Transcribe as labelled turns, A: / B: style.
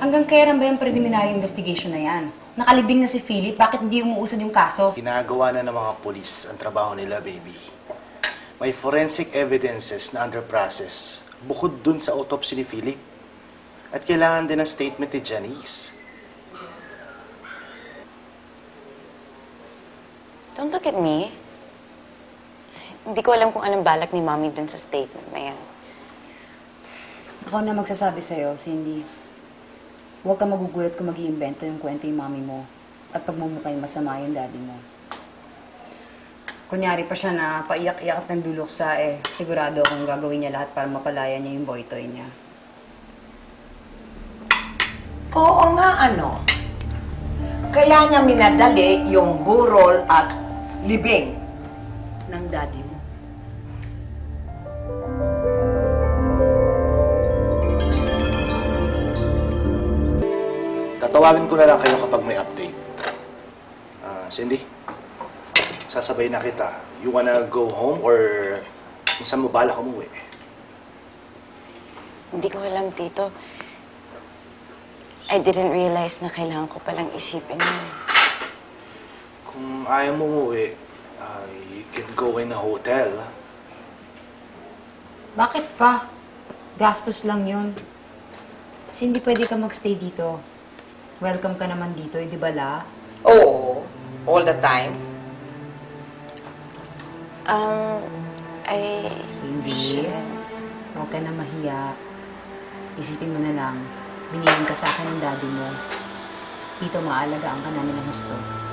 A: Hanggang kailan ba yung preliminary investigation na yan? Nakalibing na si Philip, bakit hindi umuusad yung kaso?
B: Ginagawa na ng mga polis ang trabaho nila, baby. May forensic evidences na under process bukod dun sa autopsy ni Philip. At kailangan din ng statement ni Janice.
C: Don't look at me. Hindi ko alam kung anong balak ni Mommy dun sa statement na yan.
A: Ako na magsasabi sa'yo, Cindy. Huwag ka magugulat kung mag-iimbento yung kwento yung mami mo at pagmumukhang masama yung daddy mo. Kunyari pa siya na paiyak-iyak at nagduluksa, sigurado akong gagawin niya lahat para mapalaya niya yung boy toy niya.
D: Oo nga, ano. Kaya niya minadali yung burol at libing ng daddy mo.
B: Tatawagin ko na lang kayo kapag may update. Cindy, sasabay na kita. You wanna go home or kung saan mo balak umuwi?
C: Hindi ko alam, Tito. I didn't realize na kailangan ko palang isipin yun.
B: Kung ayaw mo umuwi, you can go in a hotel.
A: Bakit pa? Gastos lang yun. Cindy, pwede ka magstay dito. Welcome ka naman dito, di ba la?
D: Oo, all the time.
A: Cindy, huwag ka na mahiya. Isipin mo na lang, binigyan ka sa akin ng daddy mo. Dito maalagaan ka namin ng gusto.